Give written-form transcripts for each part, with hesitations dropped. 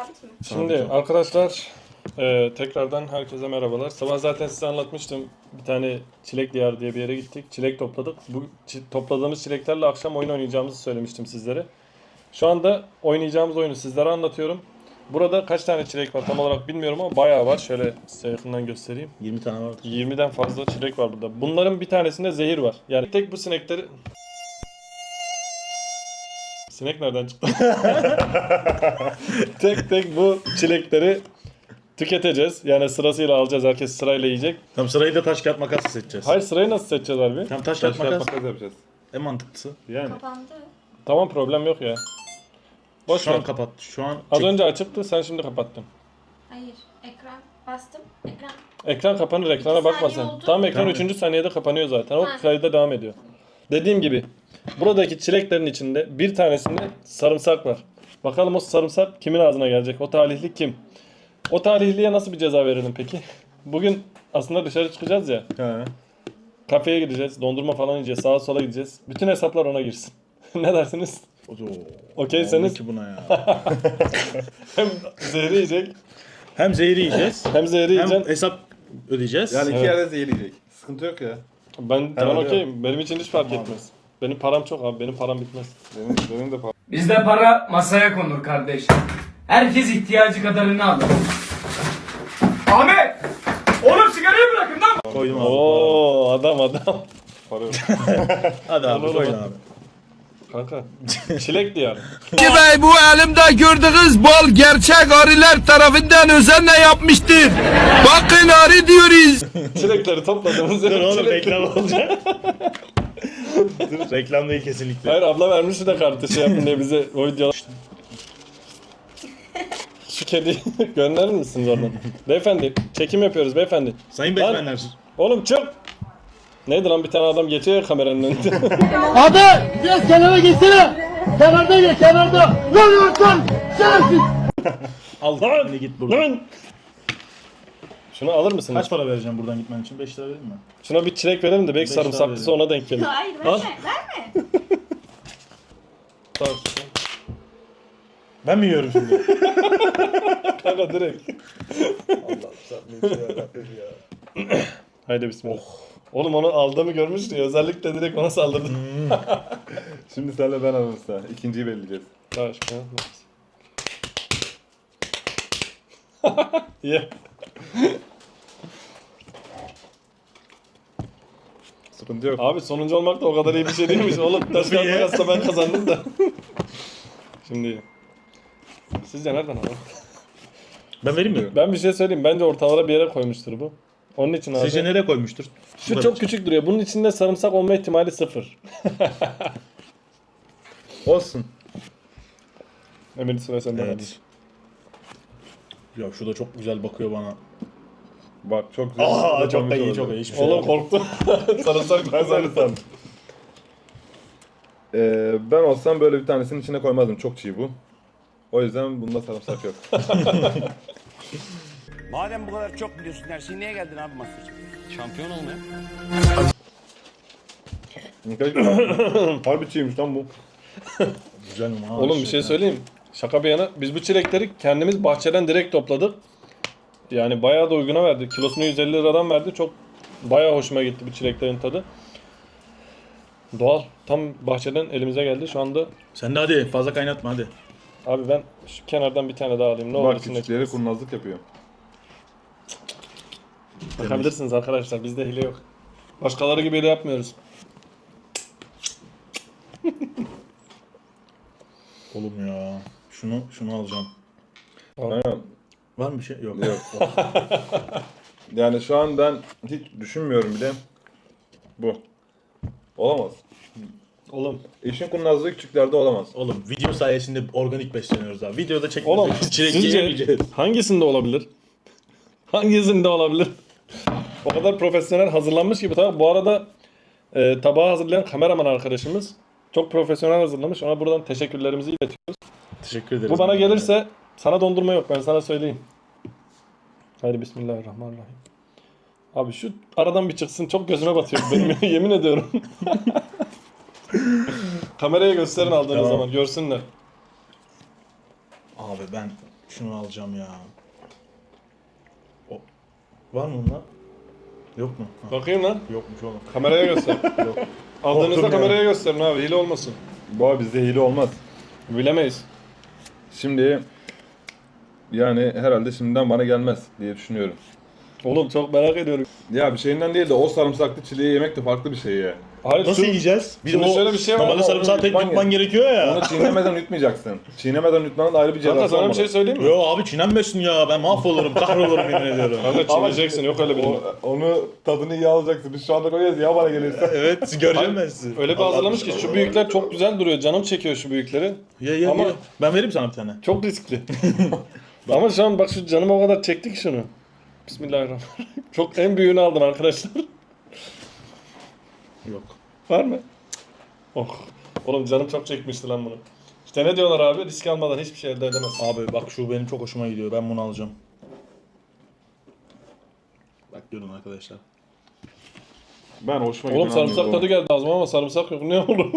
Sabit mi? Şimdi arkadaşlar tekrardan herkese merhabalar. Sabah zaten size anlatmıştım. Bir tane Çilek Diyarı diye bir yere gittik. Çilek topladık. Bu topladığımız çileklerle akşam oyun oynayacağımızı söylemiştim sizlere. Şu anda oynayacağımız oyunu sizlere anlatıyorum. Burada kaç tane çilek var tam olarak bilmiyorum ama bayağı var. Şöyle size yakından göstereyim. 20 tane vardır. 20'den fazla çilek var burada. Bunların bir tanesinde zehir var. Yani tek bu sinekleri... Sinek nereden çıktı? tek bu çilekleri tüketeceğiz. Yani sırasıyla alacağız. Herkes sırayla yiyecek. Tam sırayı da taş kağıt makas seçeceğiz. Hayır, sırayı nasıl seçeceğiz abi? Tam taş kağıt makas yapacağız. en mantıklısı. Yani. Kapandı. Tamam, problem yok ya. Boş Şu ver. an kapattı. Şu an Az önce açıktı, sen şimdi kapattın. Hayır. Ekran bastım. Ekran. Ekran kapanır, ekrana 2 bakma saniye sen. oldu. Tam ekran Tamam. 3. saniyede kapanıyor zaten. O Ha. kayda devam ediyor. Dediğim gibi buradaki çileklerin içinde bir tanesinde sarımsak var. Bakalım o sarımsak kimin ağzına gelecek? O talihli kim? O talihliye nasıl bir ceza verelim peki? Bugün aslında dışarı çıkacağız ya. He. Kafeye gideceğiz, dondurma falan yiyeceğiz, sağa sola gideceğiz. Bütün hesaplar ona girsin. Ne dersiniz? Okeyseniz ki buna ya. hem zehri yiyecek, Hem zehri yiyeceğiz. hem zehri hem yiyeceksin. hesap ödeyeceğiz. Yani iki Evet. yerde zehirleyecek. Sıkıntı yok ya. Ben Herhalde okeyim. Benim için hiç fark Tamam. etmez. Benim param çok abi. Benim param bitmez. Benim de Bizde para masaya konur kardeş. Herkes ihtiyacı kadarını alır. Ahmet! Oğlum sigarayı bırakın lan! Koydum abi. Oo, adam. para yok. Hadi abi Oğlum, koydun hadi. abi. Kanka. Çilek diyarı. Bey, bu elimde gördüğünüz bal gerçek arılar tarafından özenle yapmıştır. Bakın arı diyoruz. Çilekleri topladığımız Dur yer oğlum çilek. reklam olacak. Dur reklam değil kesinlikle. Hayır, abla vermişti de kartı şey yapın diye bize o video. Şu kediyi gönderir misiniz oradan? Beyefendi, çekim yapıyoruz beyefendi. Sayın Lan. Batmanler. Oğlum çık! Neydi lan, bir tane adam geçiyor ya kameranın önünde. Abi biraz kenara geçsene. Kenarda geç, kenarda. Lan şerefsiz. Allah ne git buradan. Lan! Şunu alır mısın? Kaç para vereceğim buradan gitmen için? 5 lira vereyim mi? Şuna bir çilek verelim de belki Beş daha sarımsaklısı ona denk gelir. Hayır Al. verme. Verme. Tamam. Ben mi yiyorum şimdi? Kanka direkt. Haydi bismillah. Oğlum onu aldığımı görmüştün ya. Özellikle direkt ona saldırdın. Şimdi senle ben aramızda. İkinciyi belirleyeceğiz. Tamam. Ye. Sıkıntı yok. Abi sonuncu olmak da o kadar iyi bir şey değilmiş. Oğlum taş kağıt makasla ben kazandım da. Şimdi sizce nereden alalım? Ben vereyim mi? Ben bir şey söyleyeyim. Bence ortalara bir yere koymuştur bu. Onun için abi. Sizce nereye koymuştur? Şu çok küçük duruyor. Bunun içinde sarımsak olma ihtimali 0. Olsun. Emir sıra sende. Evet. Ya şu da çok güzel bakıyor bana. Bak çok güzel. Aa çok da Komik iyi oldu. çok iyi. Hiçbir şey Oğlum yok. korktum. Sarımsak Ben sana sandım. Ben olsam böyle bir tanesinin içine koymazdım. Çok çiğ bu. O yüzden bunda sarımsak yok. Madem bu kadar çok biliyorsun her şeyi niye geldin abi Masterchef? Şampiyon olmaya. Harbi çiğmiş lan bu. Güzel mi? Ha, Oğlum bir şey söyleyeyim. Şaka bir yana biz bu çilekleri kendimiz bahçeden direkt topladık. Yani bayağı da uyguna verdi. Kilosunu 150 liradan verdi. Çok bayağı hoşuma gitti bu çileklerin tadı. Doğal. Tam bahçeden elimize geldi. Şu anda Sen de hadi fazla kaynatma hadi. abi ben şu kenardan bir tane daha alayım. Ne olur Bak içinde küçükleri çıkmasın. kurnazlık yapıyor. Bakabilirsiniz arkadaşlar. Bizde hile yok. Başkaları gibi hile yapmıyoruz. Oğlum ya. Şunu alacağım. Aynen. Var mı bir şey? Yok. Yok. Yani şu an ben hiç düşünmüyorum bile. Bu. Olamaz. Oğlum. İşin kurnazlığı küçüklerde olamaz. Oğlum video sayesinde organik besleniyoruz abi. Videoda Oğlum çekmeyeceğiz. Çilek sizce yiyemeyeceğiz. hangisinde olabilir? Hangisinde olabilir? O kadar profesyonel hazırlanmış gibi. Tabii bu arada tabağı hazırlayan kameraman arkadaşımız çok profesyonel hazırlamış. Ona buradan teşekkürlerimizi iletiyoruz. Teşekkür ederiz. Bu bana gelirse sana dondurma yok, ben sana söyleyeyim. Haydi bismillahirrahmanirrahim. Abi şu aradan bir çıksın, çok gözüme batıyor benim yemin ediyorum. Kameraya gösterin aldığınız Tamam. zaman görsünler. Abi ben Şunu alacağım ya. O. Var mı bunlar? Yok mu? Ha, Bakayım lan. yokmuş oğlum. Kameraya göster. Yok. Aldığınızda Korktum ya. kameraya gösterin abi. Hile olmasın. Bu abi bizde hile olmaz. Bilemeyiz. Şimdi yani herhalde şimdiden bana gelmez diye düşünüyorum. Oğlum çok merak ediyorum. Ya bir şeyinden değil de o sarımsaklı çileği yemek de farklı bir şey ya. Hayır, Nasıl şu- yiyeceğiz? Bir de Şimdi o şöyle bir şey var ama normalde sarımsağı onu tek yutman yutman gerekiyor ya. Onu çiğnemeden yutmayacaksın. Çiğnemeden yutmanın ayrı bir Kanka cezası sana bir olmalı. şey söyleyeyim mi? Yo abi çiğnenmesin ya. Ben mahvolurum, kahrolurum yemin ediyorum. Kanka çiğneyeceksin, yok öyle bir şey. Onu tadını iyi alacaksın. Biz şu anda koyuyoruz ya bana gelirse. Evet, göreceğim ben sizi. Öyle bir hazırlamış ki şu büyükler çok güzel duruyor. Canım çekiyor şu büyükleri. Ye Ama- ye. Ben vereyim sana bir tane. Çok riskli. Ama şu an bak şu canım o kadar çekti ki şunu. Bismillahirrahmanirrahim. Çok en büyüğünü aldım arkadaşlar. Yok. Var mı? Oh. Oğlum canım çok çekmişti lan bunu. İşte ne diyorlar abi? Risk almadan hiçbir şey elde edemezsin. Abi bak şu benim çok hoşuma gidiyor. Ben bunu alacağım. Bak görün arkadaşlar. Ben hoşuma Oğlum giden sarımsak almıyorum. tadı geldi ağzıma ama sarımsak yok. Ne oldu?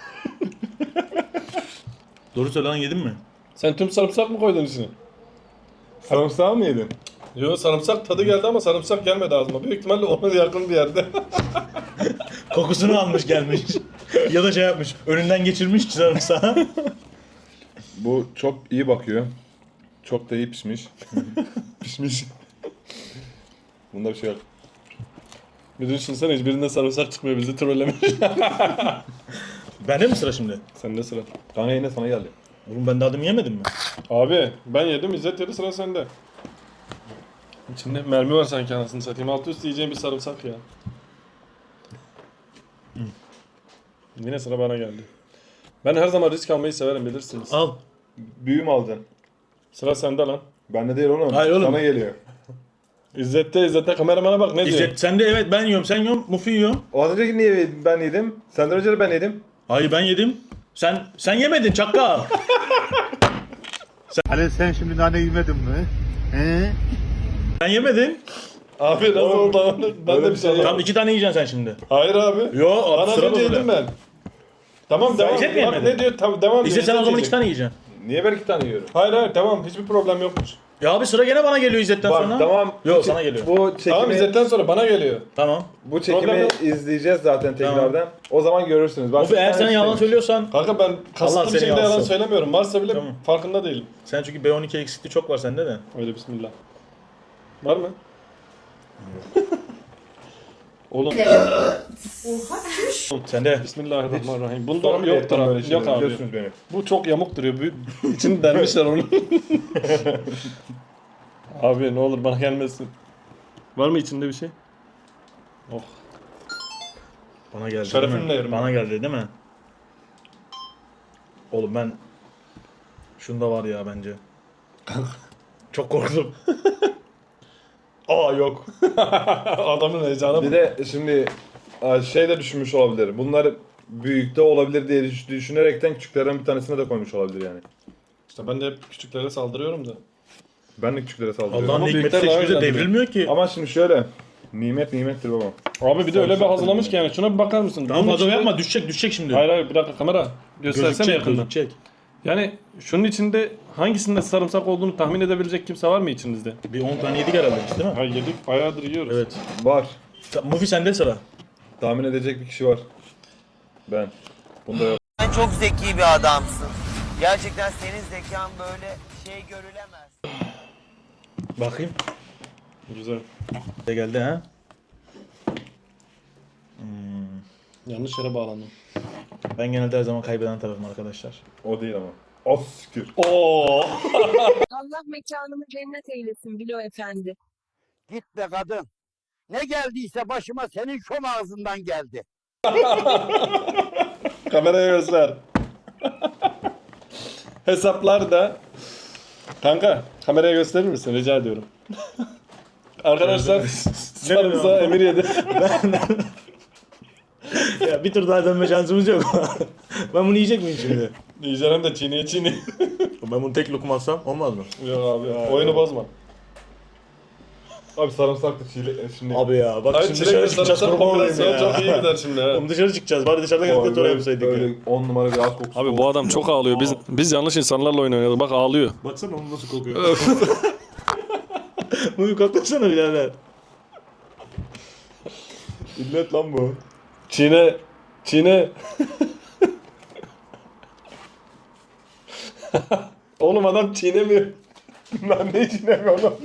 Doğru söyle lan, yedin mi? Sen tüm sarımsak mı koydun içine? Sarımsağı mı yedin? Yok, sarımsak tadı geldi ama sarımsak gelmedi ağzıma. Büyük ihtimalle ona yakın bir yerde. Kokusunu almış gelmiş. Ya da şey yapmış. Önünden geçirmiş sarımsağı. Bu çok iyi bakıyor. Çok da iyi pişmiş. Pişmiş. Bunda bir şey yok. Bir düşünsene hiçbirinde sarımsak çıkmıyor, bizi trollemiş. Bende mi sıra şimdi? Sende sıra. Kanka yine sana geldi. Oğlum ben daha demin yemedim mi? Abi ben yedim, İzzet yedi, sıra sende. İçinde mermi var sanki, anasını satayım. Altı üstü yiyeceğim bir sarımsak ya. Yine sıra bana geldi. Ben her zaman risk almayı severim, bilirsiniz. Al. Büyü mü alacaksın? Sıra sende lan. Bende değil oğlum. Hayır oğlum. Sana geliyor. İzzet'te kameramana bak ne diyor. İzzet sen de evet ben yiyorum. Sen yiyorsun. Mufi yiyor. O az önceki niye ben yedim? Senden önce de ben yedim. Hayır ben yedim. Sen yemedin çakal. Hani sen şimdi nane yemedin mi? He? Sen yemedin. Abi nasıl oldu? Ben Öyle de bir bir şey şey yok. Tamam 2 tane yiyeceksin sen şimdi. Hayır abi. Yo Ben az sıra önce böyle. yedim ben. Tamam devam. İzzet mi Bak yemedin? ne diyor? Tamam devam ediyor. İzzet sen o zaman 2 yiyecek. tane yiyeceksin. Niye ben 2 tane yiyorum? Hayır tamam, hiçbir problem yokmuş. Ya abi sıra gene bana geliyor İzzet'ten Bak sonra. tamam. Yok sana geliyor. Bu çekimi, Tamam, İzzet'ten sonra bana geliyor. Tamam. bu çekimi Problem yok. izleyeceğiz zaten tekrardan. O zaman görürsünüz. Bak, Mufi bir eğer tane sen yalan istemiş. söylüyorsan Kanka ben Allah kasıtlı bir seni şekilde yalan alsın. söylemiyorum. Varsa bile Tamam. farkında değilim. sen çünkü B12 eksikliği çok var sende de. Öyle bismillah. Var mı? Oğlum Sende. bismillahirrahmanirrahim. Bunda Sonra mı yoktur yaptım böyle abi. şeyler? Yok abi. Biliyorsunuz beni. Bu çok yamuk duruyor. İçini delmişler onu. Abi ne olur bana gelmesin. Var mı içinde bir şey? Oh. Bana geldi Şerefimle değil mi? yerim Bana geldi değil mi? Oğlum ben şunda var ya bence. Çok korktum. Aa yok. Adamın heyecanı Bir de şimdi şey de düşünmüş olabilir. Bunlar büyükte olabilir diye düşünerekten küçüklerden bir tanesine de koymuş olabilir yani. İşte ben de hep küçüklere saldırıyorum da. Ben de küçüklere saldırıyorum. Allah'ın Ama hikmeti büyükler daha hiçbir de güzel devrilmiyor ki. Ama şimdi şöyle. Nimet nimettir baba. Abi bir de öyle bir hazırlamış ki yani. Şuna bir bakar mısın? Tamam Bunun fazla içinde- yapma düşecek şimdi. Hayır bir dakika kamera. Göstersene Gözükecek yakından. gözükecek. Yani şunun içinde hangisinde sarımsak olduğunu tahmin edebilecek kimse var mı içinizde? Bir 10 tane yedik herhalde biz değil mi? Ha yedik, bayağıdır yiyoruz. Evet. Var. Mufi sende sıra. Tahmin edecek bir kişi var. Ben. Bunda yok. Sen çok zeki bir adamsın. Gerçekten senin zekan böyle şey görülemez. Bakayım. Güzel. De geldi ha. Yanlış yere bağlandım. Ben genelde her zaman kaybeden tarafım arkadaşlar. O değil ama. Az siktir. Oo. Allah mekanımı cennet eylesin Bilo Efendi. Git be kadın. Ne geldiyse başıma senin şom ağzından geldi. Kameraya göster. Hesaplar da. Kanka kameraya gösterir misin rica ediyorum. Arkadaşlar sarımsağı Emir yedi. Ya bir tur daha dönme şansımız yok. Ben bunu yiyecek miyim şimdi? Yiyeceğim de çiğneye. Ben bunu tek lokum alsam olmaz mı? Yok abi oyunu bozma. Abi sarımsaklı çile şimdi. Abi ya bak Hayır, şimdi çilekle dışarı çıkacağız sarımsak kurban olayım kombinasyonu ya. çok iyi gider şimdi ha. Oğlum dışarı çıkacağız bari dışarıda gelip oraya yapsaydık Öyle ya. 10 numara bir ağız kokusu. Abi bu adam çok ağlıyor. Biz yanlış insanlarla oyun oynadık. Bak ağlıyor. Baksana onun nasıl kokuyor. Bunu koklasana birader. İllet lan bu. Çiğne. Çiğne. Oğlum adam çiğnemiyor. Ben ne çiğnemiyorum.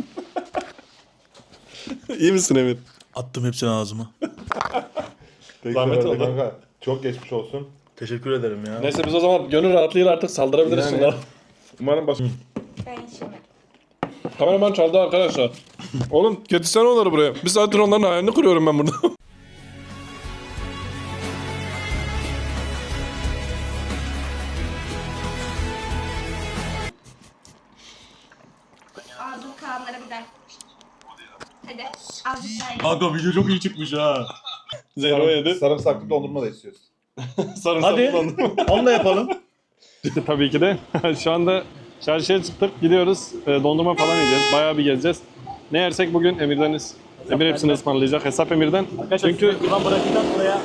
İyi misin Emir? Attım hepsini ağzıma. Zahmet oldu. Kanka. Çok geçmiş olsun. Teşekkür ederim ya. Neyse biz o zaman gönül rahatlığıyla artık saldırabiliriz Yani. şunlara. Umarım baş... Ben içemedim. Kameraman çaldı arkadaşlar. Oğlum getirsene onları buraya. Bir saattir onların hayalini kuruyorum ben burada. Ağzım Kaanlara bir der. Hadi azıcık daha ye. Kanka video çok iyi çıkmış ha. Zero yedi. Sarımsaklı dondurma da istiyoruz. Sarımsaklı Hadi dondurma. onu da yapalım. Tabii ki de. Şu anda çarşıya çıktık. Gidiyoruz. Dondurma falan yiyeceğiz. Bayağı bir gezeceğiz. Ne yersek bugün Emir'deniz. Emir hepsini ısmarlayacak. Hesap Emir'den. Çünkü... Ulan bırakacağım buraya.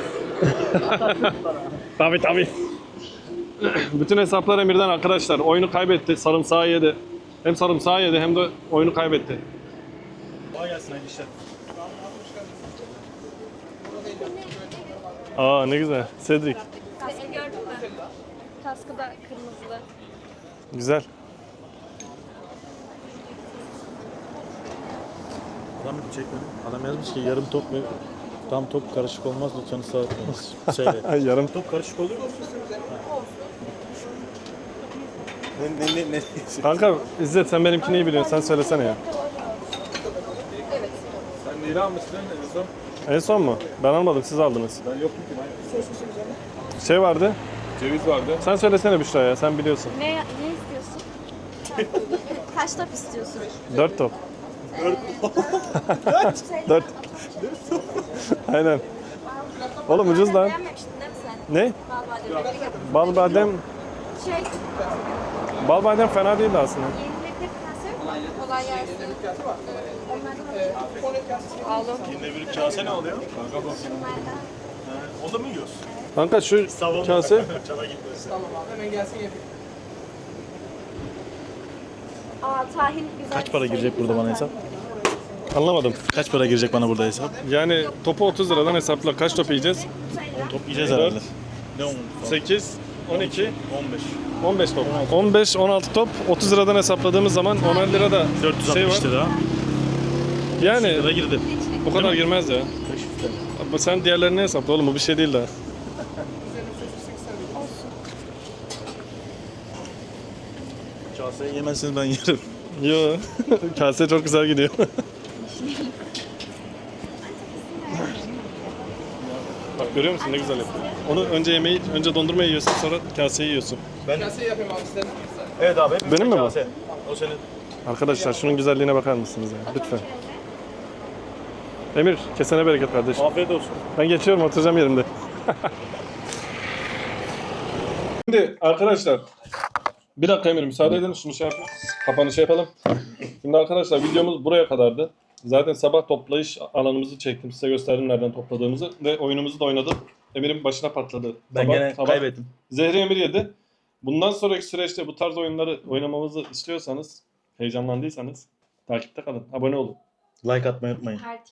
Tabii. Bütün hesaplar Emir'den arkadaşlar. Oyunu kaybetti. Sarımsağı yedi. Hem sarımsağı yedi hem de oyunu kaybetti. Kolay gelsin hayırlı işler. Aa ne güzel. Cedric. Kaskı gördün mü? Kaskı da kırmızılı. Güzel. Adam bir çekmedi. Adam yazmış ki yarım top mu? Tam top karışık olmaz lütfen ısrar etmeniz. Söyle. Ay yarım. Top karışık olur mu? Ne? Kanka İzzet sen benimkini iyi biliyorsun. Sen söylesene ya. Sen neyi almıştın en son? En son mu? Ben almadım. Siz aldınız. Ben yoktum ki. Şey vardı. Ceviz vardı. Sen söylesene Büşra ya. Sen biliyorsun. Ne istiyorsun? Kaç top istiyorsun? 4 top. 4. Aynen. Oğlum ucuz lan. Beğenmemiştin değil mi sen? Ne? Bal badem. Bal badem. Şey, Bal badem fena değildi aslında. yenilecek kase yok mu? Kolay gelsin. Onlardan aldım. Yine bir kase ne oluyor? Onlardan. O da mı yiyorsun? Kanka şu kase Çana gitmesin. Aa tahin güzel. Kaç para girecek burada bana hesap? anlamadım. Kaç para girecek bana burada hesap? Yani topu 30 liradan hesapla. Kaç top yiyeceğiz? Top yiyeceğiz herhalde. Ne 10? 8, 12, 15. 15 top. 15, 16 top. 30 liradan hesapladığımız zaman 10 lira da 460 şey var. lira. Yani Lira girdi. bu kadar girmez ya. Ama sen diğerlerini hesapla oğlum, bu bir şey değil daha. Kaseyi yemezseniz ben yerim. Yo, kase çok güzel gidiyor. Bak görüyor musun ne güzel yapıyor. Onu önce dondurmayı yiyorsun, sonra kaseyi yiyorsun. Evet abi. Benim mi bu? kase. O senin. Arkadaşlar şunun güzelliğine bakar mısınız ya? Lütfen. Emir, kesene bereket kardeşim. Afiyet olsun. Ben geçiyorum, oturacağım yerimde. Şimdi arkadaşlar, bir dakika Emir müsaade edin, şunu şey yapalım. Kapanışı yapalım. Şimdi arkadaşlar videomuz buraya kadardı. Zaten sabah toplayış alanımızı çektim. Size gösterdim nereden topladığımızı. Ve oyunumuzu da oynadım. Emir'in başına patladı. Ben gene kaybettim. Zehri Emir yedi. Bundan sonraki süreçte bu tarz oyunları oynamamızı istiyorsanız, heyecanlandıysanız takipte kalın. Abone olun. Like atmayı unutmayın. Her